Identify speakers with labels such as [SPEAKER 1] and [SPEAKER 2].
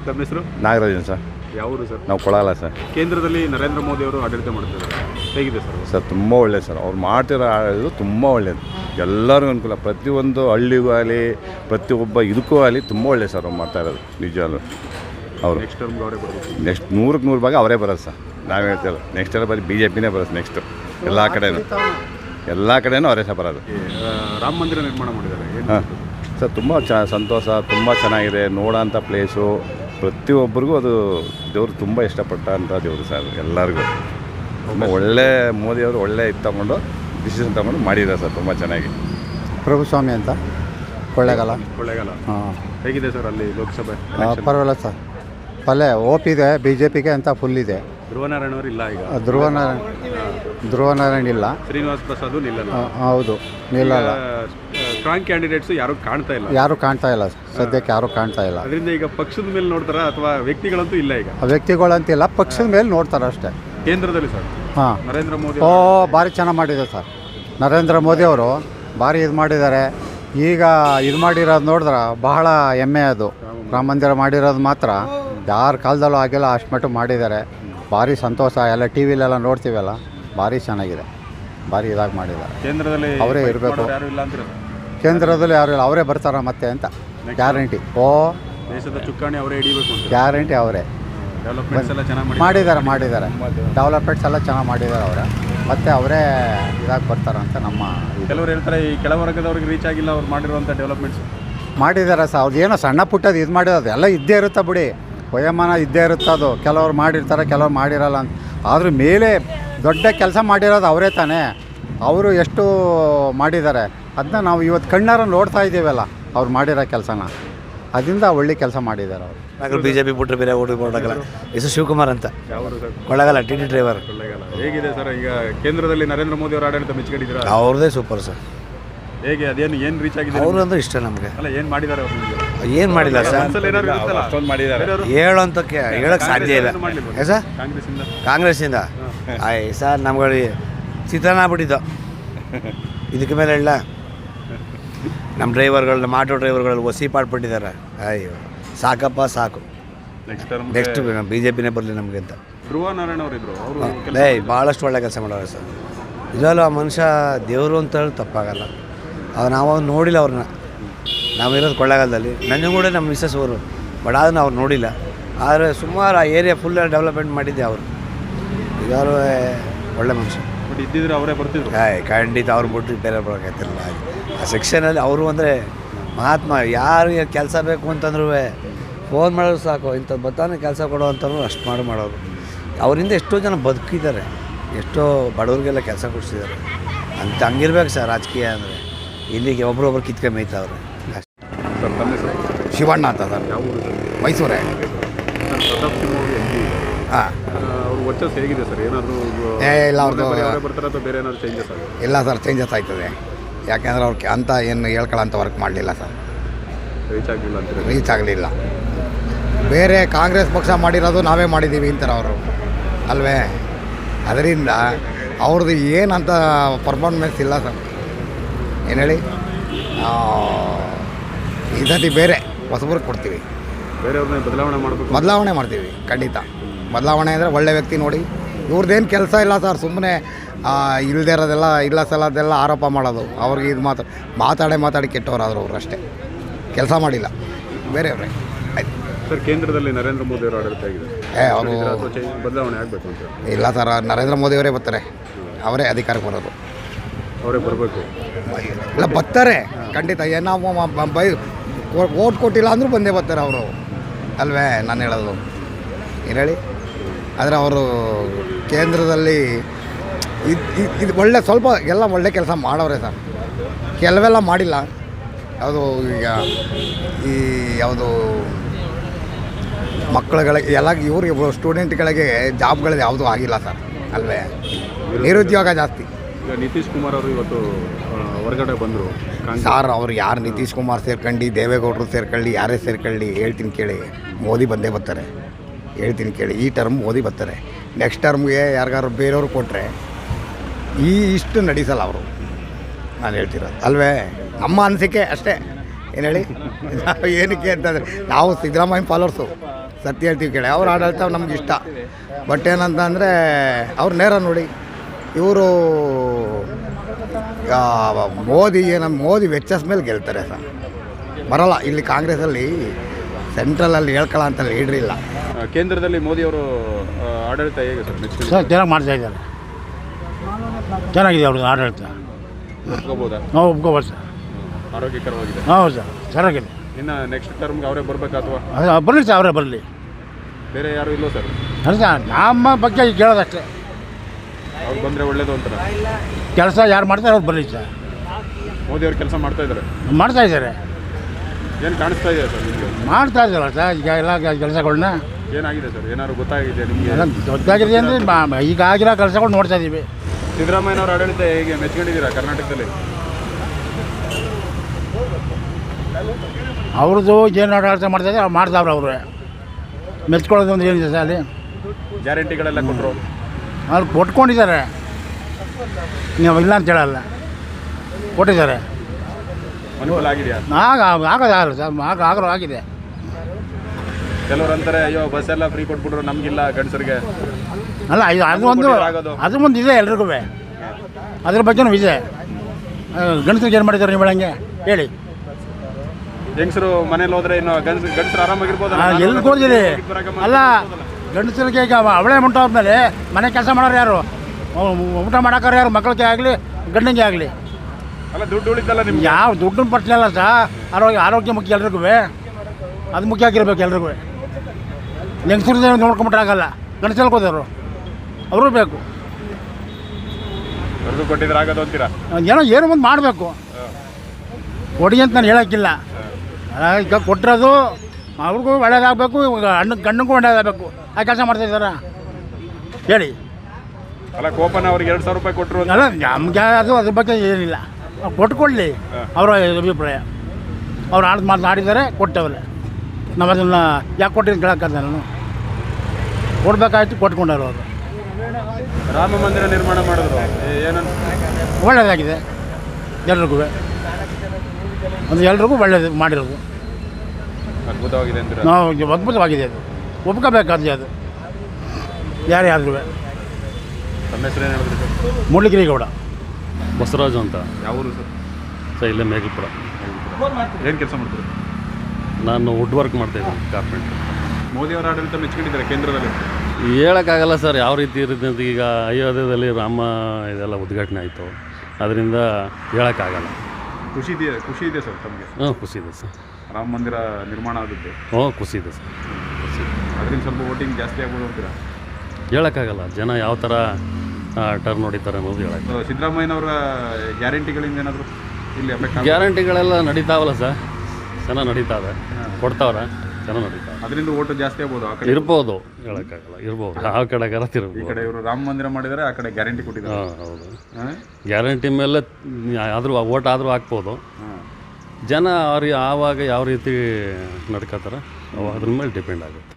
[SPEAKER 1] ತಮ್ಮ ಹೆಸರು?
[SPEAKER 2] ನಾಗರಾಜನ್ ಸರ್.
[SPEAKER 1] ಯಾವರು ಸರ್?
[SPEAKER 2] ನಾವು ಕೊಡಲ್ಲ ಸರ್.
[SPEAKER 1] ಕೇಂದ್ರದಲ್ಲಿ ನರೇಂದ್ರ ಮೋದಿ ಅವರು ಆಡಳಿತ ಮಾಡ್ತಿದ್ದಾರೆ, ಹೇಗಿದೆ ಸರ್?
[SPEAKER 2] ಸರ್ ತುಂಬ ಒಳ್ಳೆಯದು ಸರ್. ಅವ್ರು ಮಾಡ್ತಿರೋ ಇದು ತುಂಬ ಒಳ್ಳೆಯದು, ಎಲ್ಲರಿಗೂ ಅನುಕೂಲ. ಪ್ರತಿಯೊಂದು ಹಳ್ಳಿಗೂ ಆಗಲಿ ಪ್ರತಿಯೊಬ್ಬ ಇದಕ್ಕೂ ಆಗಲಿ ತುಂಬ ಒಳ್ಳೆಯ ಸರ್ ಅವ್ರು ಮಾಡ್ತಾ ಇರೋದು ನಿಜವಲ್ಲೂ. ಅವರು
[SPEAKER 1] ನೆಕ್ಸ್ಟ್ ಟರ್ಮ್ಗೆ ಅವರೇ ಬರ್ಬೋದು.
[SPEAKER 2] ನೆಕ್ಸ್ಟ್ 100ಕ್ಕೆ 100 ಭಾಗ ಅವರೇ ಬರೋದು ಸರ್. ನಾವು ಹೇಳ್ತೇವೆ ನೆಕ್ಸ್ಟ್ ಎಲ್ಲ ಬರೀ BJPನೇ ಬರೋದು ನೆಕ್ಸ್ಟು. ಎಲ್ಲ ಕಡೆನೂ ಅವರೇ ಸಹ ಬರೋದು.
[SPEAKER 1] ರಾಮ ಮಂದಿರ ನಿರ್ಮಾಣ ಮಾಡಿದ್ದಾರೆ,
[SPEAKER 2] ಹಾಂ ಸರ್. ತುಂಬ ಸಂತೋಷ, ತುಂಬ ಚೆನ್ನಾಗಿದೆ ನೋಡೋಂಥ ಪ್ಲೇಸು. ಪ್ರತಿಯೊಬ್ಬರಿಗೂ ಅದು ದೇವರು ತುಂಬ ಇಷ್ಟಪಟ್ಟಂಥ ದೇವರು ಸರ್. ಎಲ್ಲರಿಗೂ ತುಂಬ ಒಳ್ಳೆ ಮೋದಿಯವರು ಒಳ್ಳೆ ಇದು ತೊಗೊಂಡು ಡಿಸಿಷನ್ ತೊಗೊಂಡು ಮಾಡಿದ್ದಾರೆ ಸರ್, ತುಂಬ ಚೆನ್ನಾಗಿ.
[SPEAKER 3] ಪ್ರಭುಸ್ವಾಮಿ ಅಂತ ಕೊಳ್ಳೇಗಾಲ.
[SPEAKER 1] ಹಾಂ, ಹೇಗಿದೆ ಸರ್ ಅಲ್ಲಿ ಲೋಕಸಭೆ?
[SPEAKER 3] ಪರವಾಗಿಲ್ಲ ಸರ್. ಪಲ್ಲೆ ಓಪ್ ಇದೆ, BJPಗೆ ಅಂತ ಫುಲ್ ಇದೆ.
[SPEAKER 1] ಧ್ರುವನಾರಾಯಣ ಅವರು ಇಲ್ಲ ಈಗ.
[SPEAKER 3] ಧ್ರುವನಾರಾಯಣ ಇಲ್ಲ.
[SPEAKER 1] ಶ್ರೀನಿವಾಸ್ ಪ್ರಸಾದ್ ನಿಲ್ಲಲ್ಲ.
[SPEAKER 3] ಹೌದು, ನಿಲ್ಲಲ್ಲ.
[SPEAKER 1] ಸ್ಟ್ರಾಂಗ್ ಕ್ಯಾಂಡಿಡೇಟ್ಸ್ ಯಾರು ಕಾಣ್ತಾ ಇಲ್ಲ
[SPEAKER 3] ಸದ್ಯಕ್ಕೆ ಯಾರೂ ಕಾಣ್ತಾ ಇಲ್ಲ.
[SPEAKER 1] ಅದರಿಂದ ಈಗ ಪಕ್ಷದ ಮೇಲೆ ನೋಡ್ತಾರ ಅಥವಾ ವ್ಯಕ್ತಿಗಳಂತೂ ಇಲ್ಲ ಈಗ?
[SPEAKER 3] ವ್ಯಕ್ತಿಗಳಂತಿಲ್ಲ, ಪಕ್ಷದ ಮೇಲೆ ನೋಡ್ತಾರೆ ಅಷ್ಟೇ.
[SPEAKER 1] ಕೇಂದ್ರದಲ್ಲಿ ಸರ್
[SPEAKER 3] ಹಾಂ,
[SPEAKER 1] ನರೇಂದ್ರ ಮೋದಿ
[SPEAKER 3] ಭಾರಿ ಚೆನ್ನಾಗಿ ಮಾಡಿದೆ ಸರ್. ನರೇಂದ್ರ ಮೋದಿ ಅವರು ಭಾರಿ ಇದು ಮಾಡಿದ್ದಾರೆ. ಈಗ ಇದು ಮಾಡಿರೋದು ನೋಡಿದ್ರೆ ಬಹಳ ಹೆಮ್ಮೆ. ಅದು ರಾಮ ಮಂದಿರ ಮಾಡಿರೋದು ಮಾತ್ರ ಯಾರ ಕಾಲದಲ್ಲೂ ಆಗಿಲ್ಲ, ಅಷ್ಟು ಮಟ್ಟು ಮಾಡಿದ್ದಾರೆ. ಭಾರಿ ಸಂತೋಷ. ಎಲ್ಲ ಟಿ ವಿಲೆಲ್ಲ ನೋಡ್ತೀವಲ್ಲ, ಭಾರಿ ಚೆನ್ನಾಗಿದೆ, ಭಾರಿ ಇದಾಗಿ ಮಾಡಿದ್ದಾರೆ.
[SPEAKER 1] ಕೇಂದ್ರದಲ್ಲಿ
[SPEAKER 3] ಅವರೇ ಇರಬೇಕು.
[SPEAKER 1] ಯಾರು ಇಲ್ಲ ಅಂತೀರ?
[SPEAKER 3] ಕೇಂದ್ರದಲ್ಲಿ ಯಾರು ಇಲ್ಲ, ಅವರೇ ಬರ್ತಾರ ಮತ್ತೆ ಅಂತ ಗ್ಯಾರಂಟಿ.
[SPEAKER 1] ದೇಶದ ಚುಕ್ಕಾಣಿ ಅವರೇ ಹಿಡಿಬೇಕು ಅಂತ
[SPEAKER 3] ಗ್ಯಾರಂಟಿ. ಅವರೇ
[SPEAKER 1] ಡೆವಲಪ್ಮೆಂಟ್ಸ್ ಎಲ್ಲ ಚೆನ್ನಾಗಿ
[SPEAKER 3] ಮಾಡಿದ್ದಾರೆ. ಡೆವಲಪ್ಮೆಂಟ್ಸ್ ಎಲ್ಲ ಚೆನ್ನಾಗಿ ಮಾಡಿದ್ದಾರೆ ಅವರೇ. ಮತ್ತೆ ಅವರೇ ಇದಾಗಿ ಬರ್ತಾರಂತ ನಮ್ಮ.
[SPEAKER 1] ಕೆಲವರು ಹೇಳ್ತಾರೆ ಈ ಕೆಳವರ್ಗದವ್ರಿಗೆ ರೀಚ್ ಆಗಿಲ್ಲ ಅವ್ರು ಮಾಡಿರುವಂಥ ಡೆವಲಪ್ಮೆಂಟ್ಸ್.
[SPEAKER 3] ಮಾಡಿದ್ದಾರೆ ಸರ್. ಅವ್ರು ಏನೋ ಸಣ್ಣ ಪುಟ್ಟದ್ದು ಇದು ಮಾಡಿರೋದು ಎಲ್ಲ ಇದ್ದೇ ಇರುತ್ತೆ ಬಿಡಿ, ವಯೋಮಾನ ಇದ್ದೇ ಇರುತ್ತೆ. ಅದು ಕೆಲವ್ರು ಮಾಡಿರ್ತಾರೆ, ಕೆಲವ್ರು ಮಾಡಿರಲ್ಲ ಅಂತ. ಆದ್ರ ಮೇಲೆ ದೊಡ್ಡ ಕೆಲಸ ಮಾಡಿರೋದು ಅವರೇ ತಾನೇ. ಅವರು ಎಷ್ಟು ಮಾಡಿದ್ದಾರೆ ಅದನ್ನ ನಾವು ಇವತ್ತು ಕಣ್ಣಾರ ನೋಡ್ತಾ ಇದ್ದೀವಲ್ಲ, ಅವ್ರು ಮಾಡಿರೋ ಕೆಲಸನ. ಅದರಿಂದ ಒಳ್ಳೆ ಕೆಲಸ ಮಾಡಿದ್ದಾರೆ ಅವರು.
[SPEAKER 4] BJP ಬಿಟ್ಟರೆ ಬೇರೆ ಓಟಿ ಮಾಡೋಕ್ಕಲ್ಲ. ಹೆಸರು ಶಿವಕುಮಾರ್ ಅಂತ,
[SPEAKER 1] ಯಾವರು ಸರ್?
[SPEAKER 4] Kollegal TT driver.
[SPEAKER 1] ಹೇಗಿದೆ ಸರ್ ಈಗ ಕೇಂದ್ರದಲ್ಲಿ ನರೇಂದ್ರ ಮೋದಿ ಅವರ ಆಡಳಿತ ಮೆಚ್ಚಿಕೊಂಡಿದ್ದೀರಾ?
[SPEAKER 4] ಅವ್ರದ್ದೇ ಸೂಪರ್ ಸರ್.
[SPEAKER 1] ಹೇಗೆ ಏನು ರೀಚ್ ಆಗಿದೆ?
[SPEAKER 4] ಅವರು ಅಂದ್ರೆ ಇಷ್ಟ ನಮಗೆ.
[SPEAKER 1] ಅಲ್ಲ, ಏನು ಮಾಡಿದ್ದಾರೆ ಅವರು?
[SPEAKER 4] ಏನು ಮಾಡಿಲ್ಲ ಸರ್,
[SPEAKER 2] ಅಷ್ಟೊಂದು ಮಾಡಿದ್ದಾರೆ.
[SPEAKER 4] ಹೇಳೋಂಥಕ್ಕೆ ಹೇಳೋಕ್ಕೆ ಸಾಧ್ಯ ಇಲ್ಲ ಸರ್. ಕಾಂಗ್ರೆಸ್ಸಿಂದ ಸರ್ ನಮ್ಗಳಿಗೆ ಚಿತ್ರಾನ್ನ ಆಗ್ಬಿಟ್ಟಿದ್ದು. ಇದಕ್ಕೆ ಮೇಲೆ ಹೇಳ ನಮ್ಮ ಡ್ರೈವರ್ಗಳನ್ನ, ಆಟೋ ಡ್ರೈವರ್ಗಳು ಒಸಿ ಪಾಡ್ಬಿಟ್ಟಿದ್ದಾರೆ. ಅಯ್ಯೋ ಸಾಕಪ್ಪ ಸಾಕು. ನೆಕ್ಸ್ಟ್ BJPನೇ ಬರಲಿ ನಮಗೆ ಅಂತ.
[SPEAKER 1] ಧ್ರುವನಾರಾಯಣ ಅವರಿದ್ರು,
[SPEAKER 4] ಭಾಳಷ್ಟು ಒಳ್ಳೆ ಕೆಲಸ ಮಾಡೋರು ಸರ್. ನಿಜವಲ್ಲೂ ಆ ಮನುಷ್ಯ ದೇವರು ಅಂತ ಹೇಳಿ ತಪ್ಪಾಗಲ್ಲ. ನಾವು ನೋಡಿಲ್ಲ ಅವ್ರನ್ನ. ನಾವಿರೋದು ಕೊಳ್ಳೇಗಾಲದಲ್ಲಿ. ನನಗೂ ಕೂಡ ನಮ್ಮ ಮಿಸ್ಸಸ್ ಅವರು, ಬಟ್ ಅದನ್ನು ಅವ್ರು ನೋಡಿಲ್ಲ. ಆದರೆ ಸುಮಾರು ಆ ಏರಿಯಾ ಫುಲ್ ಡೆವಲಪ್ಮೆಂಟ್ ಮಾಡಿದ್ದೆ ಅವರು. ಇದಾರು ಒಳ್ಳೆ ಮನುಷ್ಯ.
[SPEAKER 1] ಬಟ್ ಇದ್ದಿದ್ರೆ ಅವರೇ ಬರ್ತಿದ್ರು.
[SPEAKER 4] ಖಂಡಿತ ಅವ್ರು ಬಿಟ್ಟು ಬೇರೆ ಬರೋಕ್ಕಾಗ್ತಿರಲಿಲ್ಲ. ಆ ಸೆಕ್ಷನಲ್ಲಿ ಅವರು ಅಂದರೆ ಮಹಾತ್ಮ. ಯಾರಿಗೆ ಕೆಲಸ ಬೇಕು ಅಂತಂದ್ರೂ ಫೋನ್ ಮಾಡೋದು ಸಾಕು, ಇಂಥದ್ದು ಬತ್ತಾನೆ ಕೆಲಸ ಕೊಡೋ ಅಂತಂದ್ರು ಅಷ್ಟು ಮಾಡೋರು. ಅವರಿಂದ ಎಷ್ಟೋ ಜನ ಬದುಕಿದ್ದಾರೆ, ಎಷ್ಟೋ ಬಡವ್ರಿಗೆಲ್ಲ ಕೆಲಸ ಕೊಡಿಸಿದ್ದಾರೆ ಅಂತ. ಹಂಗಿರ್ಬೇಕು ಸರ್ ರಾಜಕೀಯ ಅಂದರೆ. ಇಲ್ಲಿಗೆ ಒಬ್ರೊಬ್ರು ಕಿತ್ಕೆ ಮೇಯ್ತಾವ್ರೆ.
[SPEAKER 3] ಶಿವಣ್ಣ ಅಂತ ಸರ್. ಮೈಸೂರೇ.
[SPEAKER 1] ಪ್ರತಾಪ್ ಸಿಂಹ ಅವರು
[SPEAKER 3] ಹಾಂ,
[SPEAKER 1] ಅವ್ರ ವರ್ಚಸ್ ಹೇಗಿದೆ ಸರ್? ಏನಾದರೂ
[SPEAKER 3] ಇಲ್ಲ ಅವ್ರದ್ದು
[SPEAKER 1] ಬರ್ತಾರೆ ಅಥವಾ ಬೇರೆ ಏನಾದ್ರು ಚೇಂಜಸ್ ಆಗಿದೆ?
[SPEAKER 3] ಇಲ್ಲ ಸರ್, ಚೇಂಜಸ್ ಆಯ್ತದೆ. ಯಾಕೆಂದ್ರೆ ಅವ್ರಿಗೆ ಅಂತ ಏನು ಹೇಳ್ಕೊಳ್ಳೋಂಥ ವರ್ಕ್ ಮಾಡಲಿಲ್ಲ ಸರ್. ರೀಚ್ ಆಗಲಿಲ್ಲ. ಬೇರೆ ಕಾಂಗ್ರೆಸ್ ಪಕ್ಷ ಮಾಡಿರೋದು ನಾವೇ ಮಾಡಿದ್ದೀವಿ ಅಂತಾರೆ ಅವರು ಅಲ್ವೇ. ಅದರಿಂದ ಅವ್ರದ್ದು ಏನಂತ ಪರ್ಫಾರ್ಮೆನ್ಸ್ ಇಲ್ಲ ಸರ್. ಏನು ಹೇಳಿ, ಈ ಸತಿ ಬೇರೆ ಹೊಸಬ್ರಿಗೆ ಕೊಡ್ತೀವಿ.
[SPEAKER 1] ಬೇರೆಯವ್ರನ್ನ
[SPEAKER 3] ಬದಲಾವಣೆ ಮಾಡ್ತೀವಿ ಖಂಡಿತ. ಬದಲಾವಣೆ ಅಂದರೆ ಒಳ್ಳೆ ವ್ಯಕ್ತಿ ನೋಡಿ. ಇವ್ರದ್ದೇನು ಕೆಲಸ ಇಲ್ಲ ಸರ್. ಸುಮ್ಮನೆ ಇಲ್ಲದೆ ಇರೋದೆಲ್ಲ ಇಲ್ಲ ಸಲದೆಲ್ಲ ಆರೋಪ ಮಾಡೋದು. ಅವ್ರಿಗೆ ಇದು ಮಾತಾಡಿ ಕೆಟ್ಟವರಾದ್ರು ಅವರು ಅಷ್ಟೇ. ಕೆಲಸ ಮಾಡಿಲ್ಲ ಬೇರೆಯವ್ರೆ. ಆಯ್ತು
[SPEAKER 1] ಸರ್. ಕೇಂದ್ರದಲ್ಲಿ ನರೇಂದ್ರ ಮೋದಿ ಅವರು ಆಡಳಿತ ಆಗಿದೆ,
[SPEAKER 3] ಅವರು
[SPEAKER 1] ಬದಲಾವಣೆ ಆಗಬೇಕು ಅಂತ?
[SPEAKER 3] ಇಲ್ಲ ಸರ್, ನರೇಂದ್ರ ಮೋದಿಯವರೇ ಬರ್ತಾರೆ. ಅವರೇ ಅಧಿಕಾರಕ್ಕೆ ಬರೋದು.
[SPEAKER 1] ಅವರೇ ಬರಬೇಕು.
[SPEAKER 3] ಇಲ್ಲ, ಬರ್ತಾರೆ ಖಂಡಿತ. ನಾವು ಓಟ್ ಕೊಟ್ಟಿಲ್ಲ ಅಂದರೂ ಬಂದೇ ಬರ್ತಾರೆ ಅವರು ಅಲ್ವೇ. ನಾನು ಹೇಳೋದು ಏನು ಹೇಳಿ. ಆದರೆ ಅವರು ಕೇಂದ್ರದಲ್ಲಿ ಇದು ಒಳ್ಳೆ ಸ್ವಲ್ಪ ಎಲ್ಲ ಒಳ್ಳೆ ಕೆಲಸ ಮಾಡೋರೆ ಸರ್. ಕೆಲವೆಲ್ಲ ಮಾಡಿಲ್ಲ. ಯಾವುದು ಈಗ ಈ ಯಾವುದು ಮಕ್ಕಳುಗಳಿಗೆ ಎಲ್ಲ ಇವ್ರಿಗೆ ಸ್ಟೂಡೆಂಟ್ಗಳಿಗೆ ಜಾಬ್ಗಳು ಯಾವುದೂ ಆಗಿಲ್ಲ ಸರ್ ಅಲ್ವೇ. ನಿರುದ್ಯೋಗ ಜಾಸ್ತಿ.
[SPEAKER 1] ಈಗ ನಿತೀಶ್ ಕುಮಾರ್ ಅವರು ಇವತ್ತು ಹೊರಗಡೆ ಬಂದರು
[SPEAKER 3] ಸರ್. ಅವ್ರು ಯಾರು ನಿತೀಶ್ ಕುಮಾರ್ ಸೇರ್ಕೊಂಡು, ದೇವೇಗೌಡರು ಸೇರ್ಕೊಳ್ಳಿ, ಯಾರೇ ಸೇರ್ಕೊಳ್ಳಿ, ಹೇಳ್ತೀನಿ ಕೇಳಿ, ಮೋದಿ ಬಂದೇ ಬರ್ತಾರೆ. ಹೇಳ್ತೀನಿ ಕೇಳಿ, ಈ ಟರ್ಮ್ ಮೋದಿ ಬರ್ತಾರೆ. ನೆಕ್ಸ್ಟ್ ಟರ್ಮ್ಗೆ ಯಾರಿಗಾರು ಬೇರೆಯವ್ರು ಕೊಟ್ಟರೆ ಇಷ್ಟು ನಡೆಸಲ್ಲ ಅವರು. ನಾನು ಹೇಳ್ತಿರೋದು ಅಲ್ವೇ, ನಮ್ಮ ಅನಿಸಿಕೆ ಅಷ್ಟೇ. ಏನು ಹೇಳಿ, ಏನಕ್ಕೆ ಅಂತಂದರೆ ನಾವು ಸಿದ್ದರಾಮಯ್ಯ ಫಾಲೋವರ್ಸು. ಸತ್ಯ ಹೇಳ್ತೀವಿ ಕೇಳಿ, ಅವ್ರ ಆಡಳಿತ ನಮ್ಗೆ ಇಷ್ಟ. ಬಟ್ ಏನಂತ ಅಂದರೆ ಅವ್ರು ನೇರ ನೋಡಿ, ಇವರು ಮೋದಿ ವೆಚ್ಚಸ್ ಮೇಲೆ ಗೆಲ್ತಾರೆ ಸರ್, ಬರಲ್ಲ. ಇಲ್ಲಿ ಕಾಂಗ್ರೆಸ್ಸಲ್ಲಿ ಸೆಂಟ್ರಲಲ್ಲಿ ಹೇಳ್ಕೊಳ್ಳೋ ಅಂತ ಲೀಡ್ರ್ ಇಲ್ಲ.
[SPEAKER 1] ಕೇಂದ್ರದಲ್ಲಿ ಮೋದಿಯವರು ಆಡಳಿತ ಹೇಗೆ ಸರ್ ಮೆಚ್ಚುಗೆ
[SPEAKER 5] ಸರ್ ಚೆನ್ನಾಗಿ ಮಾಡ್ತಾಯಿದ್ದಾರೆ, ಚೆನ್ನಾಗಿದೆ ಅವ್ರದ್ದು ಆಡಳಿತ.
[SPEAKER 1] ಒಪ್ಕೋಬೋದಾ?
[SPEAKER 5] ನಾವು ಒಪ್ಕೋಬೋದು ಸರ್.
[SPEAKER 1] ಆರೋಗ್ಯಕರವಾಗಿದೆ.
[SPEAKER 5] ಹೌದು ಸರ್, ಚೆನ್ನಾಗಿದೆ.
[SPEAKER 1] ಇನ್ನು ನೆಕ್ಸ್ಟ್ ಟರ್ಮ್ಗೆ ಅವರೇ ಬರಬೇಕಾ ಅಥವಾ
[SPEAKER 5] ಬರಲಿ ಸರ್, ಅವರೇ ಬರಲಿ.
[SPEAKER 1] ಬೇರೆ ಯಾರು ಇಲ್ಲೋ ಸರ್?
[SPEAKER 5] ಅಲ್ಲ ಸರ್, ನಮ್ಮ ಬಗ್ಗೆ ಕೇಳೋದಷ್ಟೇ.
[SPEAKER 1] ಅವ್ರು ಬಂದರೆ ಒಳ್ಳೇದು ಅಂತಾರೆ.
[SPEAKER 5] ಕೆಲಸ ಯಾರು ಮಾಡ್ತಾರೆ ಅವ್ರು ಬರಲಿ ಸರ್.
[SPEAKER 1] ಮೋದಿಯವರು ಕೆಲಸ ಮಾಡ್ತಾ ಇದ್ದಾರೆ,
[SPEAKER 5] ಮಾಡ್ತಾಯಿದ್ದಾರೆ,
[SPEAKER 1] ಏನು ಕಾಣಿಸ್ತಾ ಇದೆ ಸರ್ ನಿಮಗೆ?
[SPEAKER 5] ಮಾಡ್ತಾ ಇದ್ದಾರಲ್ಲ ಸರ್ ಈಗ ಎಲ್ಲ ಕೆಲಸಗಳನ್ನ.
[SPEAKER 1] ಏನಾಗಿದೆ ಸರ್, ಏನಾದ್ರು ಗೊತ್ತಾಗಿದೆ ನಿಮಗೆ?
[SPEAKER 5] ಎಲ್ಲ ಗೊತ್ತಾಗಿದೆ ಅಂದರೆ ಈಗ ಆಗಿರೋ ಕೆಲಸಗಳು ನೋಡ್ತಾ ಇದ್ದೀವಿ.
[SPEAKER 1] ಸಿದ್ದರಾಮಯ್ಯನವರ ಆಡಳಿತ ಹೇಗೆ ಮೆಚ್ಕೊಂಡಿದ್ದೀರಾ ಕರ್ನಾಟಕದಲ್ಲಿ?
[SPEAKER 5] ಅವ್ರದ್ದು ಏನು ಆಡಳಿತ ಮಾಡ್ತಾಯಿದ್ದಾರೆ ಅವ್ರು ಮಾಡ್ತಾವ್ರೆ. ಅವರು ಮೆಚ್ಕೊಳ್ಳೋದು ಒಂದು ಏನಿದೆ ಸರ್ ಅಲ್ಲಿ?
[SPEAKER 1] ಗ್ಯಾರಂಟಿಗಳೆಲ್ಲ ಕೊಟ್ಟರು,
[SPEAKER 5] ಅವ್ರು ಕೊಟ್ಕೊಂಡಿದ್ದಾರೆ, ನೀವು ಇಲ್ಲ ಅಂತ ಹೇಳಲ್ಲ, ಕೊಟ್ಟಿದ್ದಾರೆ.
[SPEAKER 1] ಅನುಕೂಲ ಆಗಿದೆಯಾ?
[SPEAKER 5] ಆಗೋದಾಗಲ್ಲ ಸರ್, ಆಗೋ ಆಗಿದೆ.
[SPEAKER 1] ಕೆಲವರು ಅಂತಾರೆ ಅಯ್ಯೋ ಬಸ್ ಎಲ್ಲ ಫ್ರೀ ಕೊಟ್ಬಿಟ್ರು ನಮಗಿಲ್ಲ ಗಂಡಸರಿಗೆ.
[SPEAKER 5] ಅಲ್ಲ ಅದು ಒಂದು ಇದೆ ಎಲ್ರಿಗೂ, ಅದ್ರ ಬಗ್ಗೆನೂ ಇದೆ. ಗಂಡಸರಿಗೆ ಏನು ಮಾಡಿದ್ದಾರೆ ನೀವು ಹೇಳಂಗೆ ಹೇಳಿ?
[SPEAKER 1] ಹೆಂಗಸರು ಮನೇಲಿ ಹೋದ್ರೆ ಇನ್ನು ಗಂಡಸರು ಆರಾಮಾಗಿರ್ಬೋದು.
[SPEAKER 5] ಎಲ್ಲಿ ಹೋಗಿರಿ? ಅಲ್ಲ, ಗಂಡಸರಿಗೆ ಈಗ ಅವಳೇ ಮುಂಟಾದ್ಮೇಲೆ ಮನೆ ಕೆಲಸ ಮಾಡೋರು ಯಾರು? ಊಟ ಮಾಡೋಕ್ಕಾರು ಯಾರು? ಮಕ್ಕಳಿಗೆ ಆಗಲಿ ಗಂಡನಿಗೆ ಆಗಲಿ.
[SPEAKER 1] ಅಲ್ಲ ದುಡ್ಡು ಉಳಿತಲ್ಲ ನಿಮ್ಗೆ?
[SPEAKER 5] ಯಾವ ದುಡ್ಡನ್ನು ಪಟ್ಟಿಲ್ಲ ಸರ್. ಆರೋಗ್ಯ ಮುಖ್ಯ ಎಲ್ರಿಗೂ, ಅದು ಮುಖ್ಯ ಆಗಿರ್ಬೇಕು ಎಲ್ರಿಗೂ. ಹೆಂಗಸರು ನೋಡ್ಕೊಂಬಿಟ್ರಾಗಲ್ಲ, ಗಂಡಸಲ್ಲಿ ಹೋದವರು ಅವರು ಬೇಕು.
[SPEAKER 1] ಅವ್ರಿಗೂ ಕೊಟ್ಟಿದ್ರೆ ಆಗೋದು ಅಂತೀರಾ?
[SPEAKER 5] ಏನೋ ಒಂದು ಮಾಡಬೇಕು, ಕೊಡಿ ಅಂತ ನಾನು ಹೇಳೋಕ್ಕಿಲ್ಲ. ಈಗ ಕೊಟ್ಟಿರೋದು ಅವ್ರಿಗೂ ಒಳ್ಳೇದಾಗಬೇಕು, ಗಂಡನಿಗೂ ಒಳ್ಳೇದಾಗಬೇಕು. ಆ ಕೆಲಸ ಮಾಡ್ತಾಯಿದ್ದಾರಾ ಹೇಳಿ?
[SPEAKER 1] ಅಲ್ಲ ಕೋಪನ ಅವ್ರಿಗೆ 2,000 ರೂಪಾಯಿ ಕೊಟ್ಟರು
[SPEAKER 5] ಅಲ್ಲ, ನಮಗೆ ಅದ್ರ ಬಗ್ಗೆ ಏನಿಲ್ಲ, ಕೊಟ್ಕೊಳ್ಳಿ ಅವರ ಅಭಿಪ್ರಾಯ. ಅವ್ರು ಮಾತಾಡಿದ್ದಾರೆ, ಕೊಟ್ಟವ್ರೆ. ನಾವು ಅದನ್ನು ಯಾಕೆ ಕೊಟ್ಟಿದ್ದು ಕೇಳೋಕ್ಕಂತ ನಾನು ಕೊಡ್ಬೇಕಾಯ್ತು, ಕೊಟ್ಕೊಂಡವ್ರು ಅವರು.
[SPEAKER 1] ರಾಮ ಮಂದಿರ ನಿರ್ಮಾಣ ಮಾಡಿದ್ರು, ಏನಂತ?
[SPEAKER 5] ಒಳ್ಳೆಯದಾಗಿದೆ ಎಲ್ರಿಗೂ, ಅದು ಎಲ್ರಿಗೂ ಒಳ್ಳೆಯದು ಮಾಡಿರೋದು.
[SPEAKER 1] ಅದ್ಭುತವಾಗಿದೆ ಅಂತೀರ?
[SPEAKER 5] ನಾವು ಅದ್ಭುತವಾಗಿದೆ, ಅದು ಒಪ್ಕೋಬೇಕಾದ್ರೆ ಅದು ಯಾರ್ಯಾರು.
[SPEAKER 1] ತಮ್ಮ ಹೆಸರು ಏನು ಹೇಳಿದ್ರು ಸರ್?
[SPEAKER 5] ಮುಳ್ಳಿಗಿರಿಗೌಡ.
[SPEAKER 6] ಬಸವರಾಜು ಅಂತ.
[SPEAKER 1] ಯಾವ ಊರು ಸರ್?
[SPEAKER 6] ಸರ್ ಇಲ್ಲೇ ಮೇಘಲ್ಪುರ.
[SPEAKER 1] ಏನು ಕೆಲಸ ಮಾಡ್ತಾರೆ?
[SPEAKER 6] ನಾನು ವುಡ್ ವರ್ಕ್ ಮಾಡ್ತಾಯಿದ್ದೀನಿ, ಕಾರ್ಪೆಂಟ್ರ್.
[SPEAKER 1] ಮೋದಿಯವರ ಆಡಳಿತ ಮೆಚ್ಕೊಂಡಿದ್ದಾರೆ ಕೇಂದ್ರದಲ್ಲಿ?
[SPEAKER 6] ಹೇಳೋಕ್ಕಾಗಲ್ಲ ಸರ್ ಯಾವ ರೀತಿ ಇರುತ್ತೆ ಅಂತ. ಈಗ ಅಯೋಧ್ಯೆಯಲ್ಲಿ ರಾಮ ಇದೆಲ್ಲ ಉದ್ಘಾಟನೆ ಆಯಿತು, ಅದರಿಂದ ಹೇಳೋಕ್ಕಾಗಲ್ಲ.
[SPEAKER 1] ಖುಷಿ ಇದೆ ಸರ್ ತಮಗೆ?
[SPEAKER 6] ಖುಷಿ ಇದೆ ಸರ್.
[SPEAKER 1] ರಾಮ ಮಂದಿರ ನಿರ್ಮಾಣ ಆಗುತ್ತೆ?
[SPEAKER 6] ಖುಷಿ ಇದೆ ಸರ್.
[SPEAKER 1] ಅದರಿಂದ ಸ್ವಲ್ಪ ವೋಟಿಂಗ್ ಜಾಸ್ತಿ ಆಗ್ಬೋದು ಅಂತೀರಾ?
[SPEAKER 6] ಹೇಳೋಕ್ಕಾಗಲ್ಲ, ಜನ ಯಾವ ಥರ ಟರ್ನ್ ಹೊಡಿತಾರೆ ಅನ್ನೋದು ಹೇಳೋಕ್ಕೆ.
[SPEAKER 1] ಸಿದ್ದರಾಮಯ್ಯನವರ ಗ್ಯಾರಂಟಿಗಳಿಂದ ಏನಾದರೂ ಇಲ್ಲಿ ಎಫೆಕ್ಟ್?
[SPEAKER 6] ಗ್ಯಾರಂಟಿಗಳೆಲ್ಲ ನಡೀತಾವಲ್ಲ ಸರ್, ಚೆನ್ನಾಗಿ ನಡೀತಾವೆ, ಕೊಡ್ತಾವ್ರೆ, ಚೆನ್ನಾಗಿ ನಡೀತಾವೆ.
[SPEAKER 1] ಅದರಿಂದ ಓಟು ಜಾಸ್ತಿ ಆಗ್ಬೋದು? ಆ ಕಡೆ
[SPEAKER 6] ಇರ್ಬೋದು, ಹೇಳೋಕ್ಕಾಗಲ್ಲ, ಇರ್ಬೋದು. ಆ ಕಡೆಗಾರ
[SPEAKER 1] ಈ
[SPEAKER 6] ತಿರ್ಬೋದು.
[SPEAKER 1] ಕಡೆ ಇವರು ರಾಮ ಮಂದಿರ ಮಾಡಿದರೆ, ಆ ಕಡೆ ಗ್ಯಾರಂಟಿ ಕೊಟ್ಟಿದ್ದಾರೆ.
[SPEAKER 6] ಹೌದು, ಗ್ಯಾರಂಟಿ ಮೇಲೆ ಆದರೂ ಓಟ್ ಆದರೂ ಹಾಕ್ಬೋದು. ಜನ ಅವ್ರಿಗೆ ಆವಾಗ ಯಾವ ರೀತಿ ನಡ್ಕೋತಾರೆ ಅದ್ರ ಮೇಲೆ ಡಿಪೆಂಡ್ ಆಗುತ್ತೆ.